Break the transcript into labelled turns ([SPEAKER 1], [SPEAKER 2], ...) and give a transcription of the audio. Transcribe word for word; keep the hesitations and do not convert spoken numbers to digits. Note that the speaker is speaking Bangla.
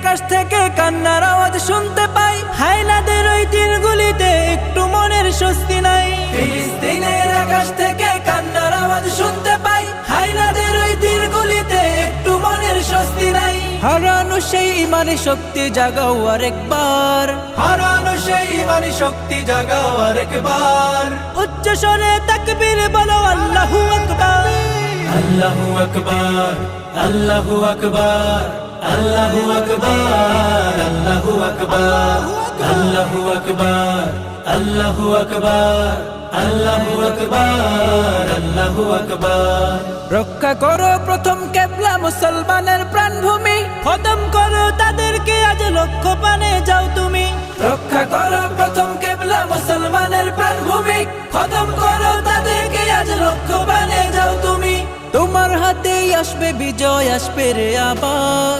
[SPEAKER 1] আকাশ থেকে কান্নার আওয়াজ শুনতে পাই, হায়নাদের ওই তীরগুলিতে একটু মনের স্বস্তি নাই। ফিলিস্তিনের আকাশ থেকে কান্নার আওয়াজ শুনতে পাই, হায়নাদের ওই তীরগুলিতে একটু মনের স্বস্তি নাই। হারানো সেই ইমানি শক্তি জাগাও আরেকবার, হারানো সেই ইমানি শক্তি জাগাও আরেকবার। উচ্চ স্বরে তাকবীর বলো আল্লাহু আকবার, আল্লাহু আকবার, আল্লাহু আকবার, আল্লাহু আকবার, আল্লাহু আকবার, আল্লাহু আকবার, আল্লাহু আকবার, আল্লাহু আকবার, আল্লাহু আকবার। রক্ষা করো প্রথম কেবলা মুসলমানের প্রাণভূমি, খতম করো তাদেরকে আজ লক্ষ্য পানে যাও তুমি। রক্ষা করো প্রথম কেবলা মুসলমানের প্রাণভূমি, খতম করো তাদেরকে আজ লক্ষ্য পানে যাও তুমি। তোমার হাতেই আসবে বিজয়, আসবে রে আবার।